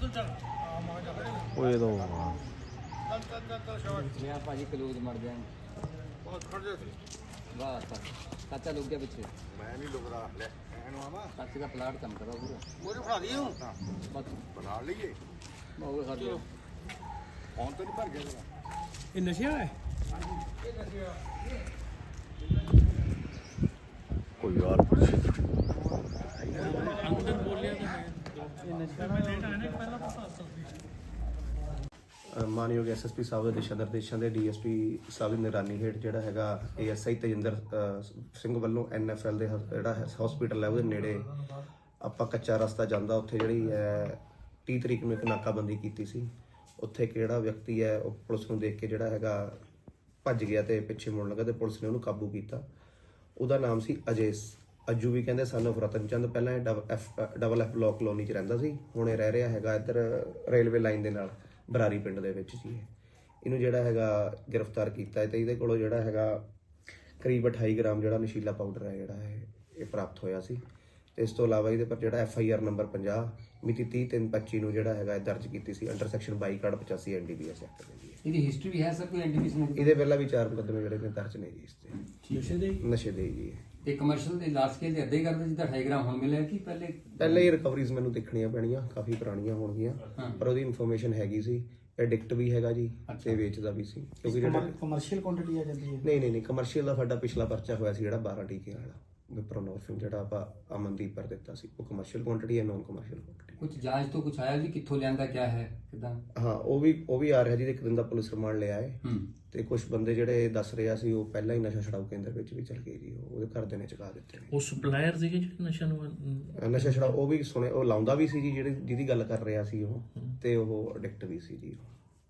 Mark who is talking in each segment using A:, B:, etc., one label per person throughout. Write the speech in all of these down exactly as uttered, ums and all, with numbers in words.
A: ਓਏ ਦੋ
B: ਮੈਂ ਭਾਜੀ ਕਲੂਜ ਮਰ ਜਾਣ ਬਹੁਤ ਖੜ ਜਾ ਵਾਹ ਚਾਚਾ ਲੁਕ ਗਿਆ ਪਿੱਛੇ
C: ਮੈਂ ਨਹੀਂ ਲੁਕਦਾ ਲੈ ਇਹਨੂੰ ਆਵਾ
B: ਚਾਚੇ ਦਾ ਪਲਾਟ ਕੰਮ ਕਰੋ ਪੂਰਾ
C: ਮੋਰੇ ਫੜਾ ਦਈਏ ਹੁਣ
B: ਬਸ
C: ਬਣਾ ਲਈਏ
B: ਬਹੁਤ ਖੜ ਜਾ
C: ਹੁਣ ਤਾਂ ਨਹੀਂ ਭਰ ਗਿਆ ਜਰਾ
A: ਇਹ ਨਸ਼ਾ ਹੈ ਕੋਈ ਯਾਰ
D: ਅੰਦਰ ਬੋਲਿਆ ਤਾਂ ਹੈ ਇਹ ਨਸ਼ਾ ਮੈਂ ਲੇਟ ਆਇਆ ਨਾ ਪਹਿਲਾਂ ਪਤਾ
E: ਮਾਨਯੋਗ ਐਸਐਸਪੀ ਸਾਹਿਬ ਦੇ ਦਿਸ਼ਾ ਨਿਰਦੇਸ਼ਾਂ ਦੇ ਡੀਐਸਪੀ ਸਾਹਿਬ ਦੀ ਨਿਗਰਾਨੀ ਹੇਠ ਜਿਹੜਾ ਹੈਗਾ ਏਐਸਆਈ ਤੇਜਿੰਦਰ ਸਿੰਘ ਵੱਲੋਂ ਐਨਐਫਐਲ ਦੇ ਜਿਹੜਾ ਹਸਪੀਟਲ ਹੈ ਉਹਦੇ ਨੇੜੇ ਆਪਾਂ ਕੱਚਾ ਰਸਤਾ ਜਾਂਦਾ ਉੱਥੇ ਜਿਹੜੀ ਹੈ ਤੀਹ ਤਰੀਕ ਨੂੰ ਇੱਕ ਨਾਕਾਬੰਦੀ ਕੀਤੀ ਸੀ। ਉੱਥੇ ਕਿਹੜਾ ਵਿਅਕਤੀ ਹੈ ਉਹ ਪੁਲਿਸ ਨੂੰ ਦੇਖ ਕੇ ਜਿਹੜਾ ਹੈਗਾ ਭੱਜ ਗਿਆ ਤੇ ਪਿੱਛੇ ਮੁੜਨ ਲੱਗਾ ਤੇ ਪੁਲਿਸ ਨੇ ਉਹਨੂੰ ਕਾਬੂ ਕੀਤਾ। ਉਹਦਾ ਨਾਮ ਸੀ ਅਜੇ ਅੱਜੂ ਵੀ ਕਹਿੰਦੇ ਸਨ ਆਫ ਰਤਨ ਚੰਦ। ਪਹਿਲਾਂ ਇਹ double F double F block colony 'ਚ ਰਹਿੰਦਾ ਸੀ, ਹੁਣ ਇਹ ਰਹਿ ਰਿਹਾ ਹੈਗਾ ਇੱਧਰ ਰੇਲਵੇ ਲਾਈਨ ਦੇ ਨਾਲ ਬਰਾਰੀ ਪਿੰਡ ਦੇ ਵਿੱਚ ਜੀ। ਇਹਨੂੰ ਜਿਹੜਾ ਹੈਗਾ ਗ੍ਰਿਫਤਾਰ ਕੀਤਾ ਤੇ ਇਹਦੇ ਕੋਲੋਂ ਜਿਹੜਾ ਹੈਗਾ ਕਰੀਬ ਅਠਾਈ ਗ੍ਰਾਮ ਜਿਹੜਾ ਨਸ਼ੀਲਾ ਪਾਊਡਰ ਹੈ ਜਿਹੜਾ ਹੈ ਇਹ ਪ੍ਰਾਪਤ ਹੋਇਆ ਸੀ। ਤੇ ਇਸ ਤੋਂ ਇਲਾਵਾ ਇਹਦੇ ਪਰ ਜਿਹੜਾ ਐਫ ਆਈ ਆਰ ਨੰਬਰ ਪੰਜਾਹ ਮਿਤੀ ਤੀਹ ਤਿੰਨ ਪੱਚੀ ਨੂੰ ਜਿਹੜਾ ਹੈਗਾ ਦਰਜ ਕੀਤੀ ਸੀ ਅੰਡਰ ਸੈਕਸ਼ਨ ਬਾਈ ਕਾਰਡ ਪਚਾਸੀ N D P S act ਦੇ ਜੀ।
B: ਇਹਦੀ ਹਿਸਟਰੀ ਵੀ ਹੈ ਸਰ ਕੋਈ ਐਨ ਡੀ ਪੀ ਐਸ ਮੁਕਦਮੇ
E: ਇਹਦੇ ਪਹਿਲਾਂ ਵੀ ਚਾਰ ਮੁਕੱਦਮੇ ਜਿਹੜੇ ਨੇ ਦਰਜ ਨੇ ਜੀ ਇਸ ਤੇ
D: ਨਸ਼ੇ ਦੇ
E: ਨਸ਼ੇ ਦੇ ਜੀ।
B: ਤੇ ਕਮਰਸ਼ੀਅਲ ਦੇ ਲਾਰਜ ਸਕੇਲ ਦੇ ਅੱਧੇ ਕਰਦੇ ਜਿੱਦਾਂ ਅਠਾਈ ਗ੍ਰਾਮ ਹੁਣ ਮਿਲਿਆ ਕਿ ਪਹਿਲੇ
E: ਪਹਿਲੇ ਹੀ ਰਿਕਵਰੀਜ਼ ਮੈਨੂੰ ਦੇਖਣੀਆਂ ਪੈਣੀਆਂ, ਕਾਫੀ ਪੁਰਾਣੀਆਂ ਹੋਣਗੀਆਂ ਪਰ ਉਹਦੀ ਇਨਫੋਰਮੇਸ਼ਨ ਹੈਗੀ ਸੀ। ਐਡਿਕਟ ਵੀ ਹੈਗਾ ਜੀ ਤੇ ਵੇਚਦਾ ਵੀ ਸੀ ਕਿਉਂਕਿ ਜਿਹੜਾ
D: ਕਮਰਸ਼ੀਅਲ ਕੁਆਂਟੀਟੀ ਆ ਜਾਂਦੀ ਹੈ।
E: ਨਹੀਂ ਨਹੀਂ ਨਹੀਂ ਕਮਰਸ਼ੀਅਲ ਦਾ ਸਾਡਾ ਪਿਛਲਾ ਪਰਚਾ ਹੋਇਆ ਸੀ ਜਿਹੜਾ ਬਾਰਾਂ ਟੀਕੇ ਵਾਲਾ ਵਿਪਰੋਨੋਰਫਿਨ ਜਿਹੜਾ ਆਪਾਂ ਅਮਨਦੀਪ ਪਰ ਦਿੱਤਾ ਸੀ, ਉਹ ਕਮਰਸ਼ੀਅਲ ਕੁਆਂਟੀਟੀ ਹੈ, ਨੋਨ ਕਮਰਸ਼ੀਅਲ ਕੁਆਂਟੀਟੀ।
B: ਕੁਝ ਜਾਂਚ ਤੋਂ ਕੁਝ ਆਇਆ ਵੀ ਕਿੱਥੋਂ ਲਿਆਂਦਾ ਕਿਆ ਹੈ ਕਿਦਾਂ?
E: ਹਾਂ ਉਹ ਵੀ ਉਹ ਵੀ ਆ ਰਿਹਾ ਜੀ। ਇੱਕ ਦਿਨ ਦਾ ਪੁਲਿਸ ਰਿਮਾਂਡ ਲਿਆ ਹੈ
B: ਹੂੰ
E: ਤੇ ਕੁਝ ਬੰਦੇ ਜਿਹੜੇ ਦੱਸ ਰਿਹਾ ਸੀ ਉਹ ਪਹਿਲਾਂ ਹੀ ਨਸ਼ਾ ਛਡਾਊ ਕੇਂਦਰ ਵਿੱਚ ਵੀ ਚਲ ਗਏ ਜੀ। ਉਹ ਉਹਦੇ ਘਰ ਦੇ ਨੇ ਚੁਕਾ ਦਿੱਤੇ ਨੇ।
D: ਉਹ ਸਪਲਾਇਰ ਸੀਗੇ ਜਿਹੜੇ ਨਸ਼ਾ ਨੂੰ
E: ਨਸ਼ਾ ਛਡਾਊ ਉਹ ਵੀ ਸੁਣੇ ਉਹ ਲਾਉਂਦਾ ਵੀ ਸੀ ਜੀ, ਜਿਹੜੇ ਜਿਹਦੀ ਗੱਲ ਕਰ ਰਿਹਾ ਸੀ ਉਹ, ਤੇ ਉਹ ਐਡਿਕਟ ਵੀ ਸੀ ਜੀ।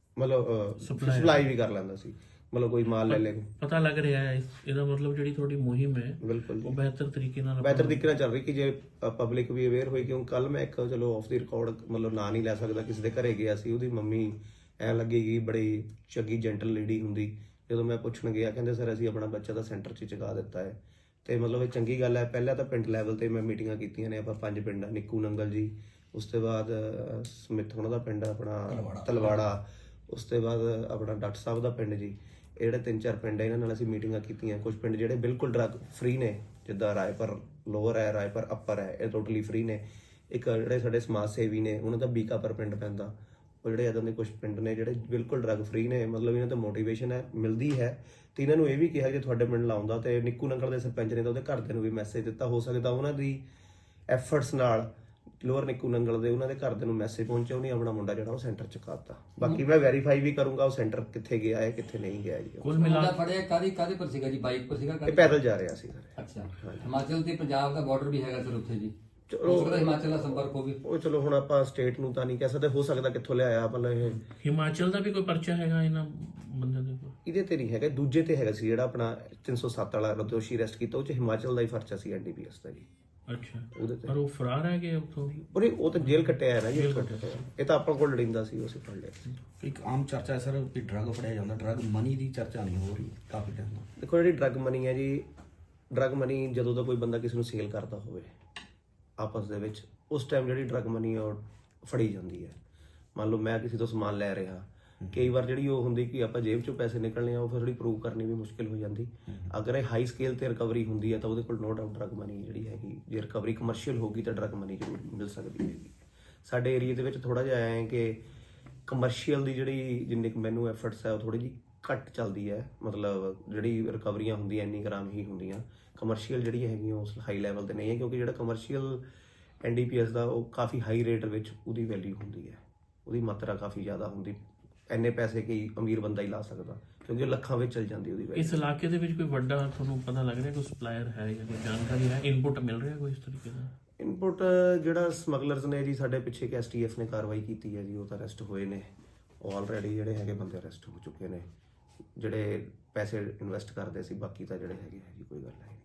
E: ਮਤਲਬ ਸਪਲਾਈ ਵੀ ਕਰ ਲੈਂਦਾ ਸੀ, ਮਤਲਬ ਕੋਈ ਮਾਲ ਲੈ ਲੈ।
D: ਪਤਾ ਲੱਗ ਰਿਹਾ ਹੈ ਇਹਦਾ ਮਤਲਬ ਜਿਹੜੀ ਤੁਹਾਡੀ ਮੁਹਿੰਮ ਹੈ
E: ਬਿਲਕੁਲ
D: ਉਹ ਬਿਹਤਰ ਤਰੀਕੇ ਨਾਲ
E: ਬਿਹਤਰ ਤਰੀਕੇ ਨਾਲ ਚੱਲ ਰਹੀ ਕਿ ਜੇ ਪਬਲਿਕ ਵੀ ਅਵੇਅਰ ਹੋਈ। ਕਿਉਂ ਕੱਲ ਮੈਂ ਇੱਕ ਚਲੋ ਆਫ ਦੀ ਰਿਕਾਰਡ ਮਤਲਬ ਨਾਂ ਨਹੀਂ ਲੈ ਸਕਦਾ, ਕਿਸੇ ਦੇ ਘਰੇ ਗਿਆ ਸੀ, ਉਹਦੀ ਮੰਮੀ ਐਂ ਲੱਗੇਗੀ ਬੜੀ ਚੰਗੀ ਜੈਂਟਲ ਲੇਡੀ ਹੁੰਦੀ। ਜਦੋਂ ਮੈਂ ਪੁੱਛਣ ਗਿਆ ਕਹਿੰਦੇ ਸਰ ਅਸੀਂ ਆਪਣਾ ਬੱਚਾ ਤਾਂ ਸੈਂਟਰ 'ਚ ਚੁਕਾ ਦਿੱਤਾ ਹੈ। ਤੇ ਮਤਲਬ ਇਹ ਚੰਗੀ ਗੱਲ ਹੈ। ਪਹਿਲਾਂ ਤਾਂ ਪਿੰਡ ਲੈਵਲ ਤੇ ਮੈਂ ਮੀਟਿੰਗਾਂ ਕੀਤੀਆਂ ਨੇ, ਆਪਾਂ ਪੰਜ ਪਿੰਡ ਨਿੱਕੂ ਨੰਗਲ ਜੀ, ਉਸ ਤੋਂ ਬਾਅਦ ਸਮਿੱਥ ਉਹਨਾਂ ਦਾ ਪਿੰਡ ਆਪਣਾ ਤਲਵਾੜਾ, ਉਸ ਤੋਂ ਬਾਅਦ ਆਪਣਾ ਡਾਕਟਰ ਸਾਹਿਬ ਦਾ ਪਿੰਡ ਜੀ। ਇਹ ਜਿਹੜੇ ਤਿੰਨ ਚਾਰ ਪਿੰਡ ਹੈ ਇਹਨਾਂ ਨਾਲ ਅਸੀਂ ਮੀਟਿੰਗਾਂ ਕੀਤੀਆਂ। ਕੁਝ ਪਿੰਡ ਜਿਹੜੇ ਬਿਲਕੁਲ ਡਰੱਗ ਫ੍ਰੀ ਨੇ, ਜਿੱਦਾਂ ਰਾਏਪੁਰ ਲੋਅਰ ਹੈ, ਰਾਏਪੁਰ ਅੱਪਰ ਹੈ, ਇਹ ਟੋਟਲੀ ਫ੍ਰੀ ਨੇ। ਇੱਕ ਜਿਹੜੇ ਸਾਡੇ ਸਮਾਜ ਸੇਵੀ ਨੇ ਉਹਨਾਂ ਦਾ ਬੀਕਾਪੁਰ ਪਿੰਡ ਪੈਂਦਾ, ਉਹ ਜਿਹੜੇ ਇੱਦਾਂ ਦੇ ਕੁਝ ਪਿੰਡ ਨੇ ਜਿਹੜੇ ਬਿਲਕੁਲ ਡਰੱਗ ਫ੍ਰੀ ਨੇ। ਮਤਲਬ ਇਹਨਾਂ ਤੋਂ ਮੋਟੀਵੇਸ਼ਨ ਹੈ ਮਿਲਦੀ ਹੈ। ਤੇ ਇਹਨਾਂ ਨੂੰ ਇਹ ਵੀ ਕਿਹਾ ਜੇ ਤੁਹਾਡੇ ਪਿੰਡ ਲਾਉਂਦਾ ਤੇ ਨਿੱਕੂ ਨੰਗਲ ਦੇ ਸਰਪੰਚ ਨੇ ਤਾਂ ਉਹਦੇ ਘਰਦਿਆਂ ਨੂੰ ਵੀ ਮੈਸੇਜ ਦਿੱਤਾ। ਹੋ ਸਕਦਾ ਉਹਨਾਂ ਦੀ ਐਫਰਟਸ ਨਾਲ ਲੋਅਰ ਨਿੱਕੂ ਨੰਗਲ ਦੇ ਉਹਨਾਂ ਦੇ ਘਰਦਿਆਂ ਨੂੰ ਮੈਸੇਜ ਪਹੁੰਚਿਆ, ਉਹਨੇ ਆਪਣਾ ਮੁੰਡਾ ਜਿਹੜਾ ਉਹ ਸੈਂਟਰ ਚ ਕਾਤਾ। ਬਾਕੀ ਮੈਂ ਵੈਰੀਫਾਈ ਵੀ ਕਰੂੰਗਾ ਉਹ ਸੈਂਟਰ ਕਿੱਥੇ ਗਿਆ ਹੈ ਕਿੱਥੇ ਨਹੀਂ ਗਿਆ ਜੀ।
D: ਕੁੱਲ ਮਿਲਾ
B: ਮੁੰਡਾ ਫੜਿਆ ਕਾਦੀ ਕਾਦੇ ਪਰ ਸੀਗਾ ਜੀ? ਬਾਈਕ ਪਰ ਸੀਗਾ?
E: ਇਹ ਪੈਦਲ ਜਾ ਰਿਹਾ ਸੀ ਸਰ।
B: ਅੱਛਾ, ਹਿਮਾਚਲ ਤੇ ਪੰਜਾਬ ਦਾ ਬਾਰਡਰ ਵੀ ਹੈਗਾ ਸਰ ਉੱਥੇ ਜੀ।
E: ਚਲੋ
B: ਹੋ ਸਕਦਾ ਹਿਮਾਚਲ ਦਾ ਸੰਪਰਕ ਹੋਵੇ।
E: ਉਹ ਚਲੋ ਹੁਣ ਆਪਾਂ ਸਟੇਟ ਨੂੰ ਤਾਂ ਨਹੀਂ ਕਹਿ ਸਕਦੇ, ਹੋ ਸਕਦਾ ਕਿੱਥੋਂ ਲਿਆਇਆ ਮਤਲਬ ਇਹ
D: ਹਿਮਾਚਲ ਦਾ ਵੀ ਕੋਈ ਪਰਚਾ ਹੈਗਾ ਇਹਨਾਂ ਬੰਦਿਆਂ ਦੇ ਕੋਲ?
E: ਇਹਦੇ ਤੇ ਨਹੀਂ ਹੈਗਾ, ਦੂਜੇ ਤੇ ਹੈਗਾ ਸੀ ਜਿਹੜਾ ਆਪਣਾ ਤਿੰਨ ਸੌ ਸੱਤ ਵਾਲਾ ਦੋਸ਼ੀ ਅਰੈਸਟ ਕੀਤਾ, ਉਹ ਚ ਹਿਮਾਚਲ ਦਾ ਹੀ ਪਰਚਾ ਸੀ ਐਨ ਡੀ ਪੀ ਐਸ ਦਾ ਜੀ।
D: ਅੱਛਾ,
E: ਉਹਦੇ ਤੇ
D: ਪਰ ਉਹ ਫਰਾਰ ਹੈ ਕਿ ਉੱਥੋਂ?
E: ਉਹਨੇ ਉਹ ਤਾਂ ਜੇਲ੍ਹ ਕੱਟਿਆ ਹੈ ਨਾ ਜੀ। ਇਹ ਤਾਂ ਆਪਾਂ ਕੋਲ ਲੜਿੰਦਾ ਸੀ, ਉਸੇ ਫੜ ਲਿਆ ਸੀ।
F: ਇੱਕ ਆਮ ਚਰਚਾ ਹੈ ਸਰ ਕਿ ਡਰੱਗ ਫੜਿਆ ਜਾਂਦਾ, ਡਰੱਗ ਮਨੀ ਦੀ ਚਰਚਾ ਨਹੀਂ ਹੋ ਰਹੀ ਕਾਫੀ ਟਾਈਮ ਤੋਂ।
E: ਦੇਖੋ ਜਿਹੜੀ ਡਰੱਗ ਮਨੀ ਹੈ ਜੀ, ਡਰੱਗ ਮਨੀ ਜਦੋਂ ਦਾ ਕੋਈ ਬੰਦਾ ਕਿਸੇ ਨੂੰ ਸੇਲ ਕਰਦਾ ਹੋਵੇ ਆਪਸ ਦੇ ਵਿੱਚ, ਉਸ ਟਾਈਮ ਜਿਹੜੀ ਡਰੱਗ ਮਨੀ ਉਹ ਫੜੀ ਜਾਂਦੀ ਹੈ। ਮੰਨ ਲਓ ਮੈਂ ਕਿਸੇ ਤੋਂ ਸਮਾਨ ਲੈ ਰਿਹਾ, ਕਈ ਵਾਰ ਜਿਹੜੀ ਉਹ ਹੁੰਦੀ ਕਿ ਆਪਾਂ ਜੇਬ ਚੋਂ ਪੈਸੇ ਨਿਕਲਣੇ ਆ, ਉਹ ਫਿਰ ਥੋੜੀ ਪ੍ਰੂਵ ਕਰਨੀ ਵੀ ਮੁਸ਼ਕਿਲ ਹੋ ਜਾਂਦੀ। ਅਗਰ ਇਹ ਹਾਈ ਸਕੇਲ ਤੇ ਰਿਕਵਰੀ ਹੁੰਦੀ ਹੈ ਤਾਂ ਉਹਦੇ ਕੋਲ ਨੋ ਡਾਊਟ ਡਰੱਗ ਮਨੀ ਜਿਹੜੀ ਹੈਗੀ, ਜੇ ਰਿਕਵਰੀ ਕਮਰਸ਼ੀਅਲ ਹੋਗੀ ਤਾਂ ਡਰੱਗ ਮਨੀ ਜ਼ਰੂਰ ਮਿਲ ਸਕਦੀ ਹੈਗੀ। ਸਾਡੇ ਏਰੀਆ ਦੇ ਵਿੱਚ ਥੋੜਾ ਜਿਹਾ ਆਇਆ ਹੈ ਕਿ ਕਮਰਸ਼ੀਅਲ ਦੀ ਜਿਹੜੀ ਜਿੰਨੀ ਕੁ ਮੈਨੂੰ ਐਫਰਟਸ ਹੈ ਉਹ ਥੋੜੀ ਜਿਹੀ ਘੱਟ ਚੱਲਦੀ ਹੈ। ਮਤਲਬ ਜਿਹੜੀ ਰਿਕਵਰੀਆਂ ਹੁੰਦੀਆਂ ਇੰਨੀ ਗ੍ਰਾਮ ਹੀ ਹੁੰਦੀਆਂ, ਕਮਰਸ਼ੀਅਲ ਜਿਹੜੀਆਂ ਹੈਗੀਆਂ ਉਸ ਹਾਈ ਲੈਵਲ ਤੇ ਨਹੀਂ ਹੈ। ਕਿਉਂਕਿ ਜਿਹੜਾ commercial N D P S ਦਾ ਉਹ ਕਾਫੀ ਹਾਈ ਰੇਟ ਵਿੱਚ ਉਹਦੀ ਵੈਲਿਊ ਹੁੰਦੀ ਹੈ, ਉਹਦੀ ਮਾਤਰਾ ਕਾਫੀ ਜ਼ਿਆਦਾ ਹੁੰਦੀ। ਇੰਨੇ ਪੈਸੇ ਕਿ ਅਮੀਰ ਬੰਦਾ ਹੀ ਲਾ ਸਕਦਾ ਕਿਉਂਕਿ ਉਹ ਲੱਖਾਂ ਵਿੱਚ ਚਲ ਜਾਂਦੀ ਉਹਦੀ ਵੈਲਿਊ।
D: ਇਸ ਇਲਾਕੇ ਦੇ ਵਿੱਚ ਕੋਈ ਵੱਡਾ ਤੁਹਾਨੂੰ ਪਤਾ ਲੱਗ ਰਿਹਾ ਕੋਈ ਸਪਲਾਇਰ ਹੈ ਜਾਂ ਕੋਈ ਜਾਣਕਾਰੀ ਹੈ, ਇਨਪੁਟ ਮਿਲ ਰਿਹਾ ਕੋਈ ਇਸ ਤਰੀਕੇ ਦਾ?
E: ਇਨਪੁਟ ਜਿਹੜਾ ਸਮਗਲਰਸ ਨੇ ਜੀ ਸਾਡੇ ਪਿੱਛੇ ਇੱਕ ਐਸ ਟੀ ਐਫ ਨੇ ਕਾਰਵਾਈ ਕੀਤੀ ਹੈ ਜੀ, ਉਹ ਤਾਂ ਅਰੈਸਟ ਹੋਏ ਨੇ ਆਲਰੇਡੀ। ਜਿਹੜੇ ਹੈਗੇ ਬੰਦੇ ਅਰੈਸਟ ਹੋ ਚੁੱਕੇ ਨੇ ਜਿਹੜੇ ਪੈਸੇ ਇਨਵੈਸਟ ਕਰਦੇ ਸੀ। ਬਾਕੀ ਤਾਂ ਜਿਹੜੇ ਹੈਗੇ ਹੈ ਜੀ ਕੋਈ ਗੱਲ ਨਹੀਂ।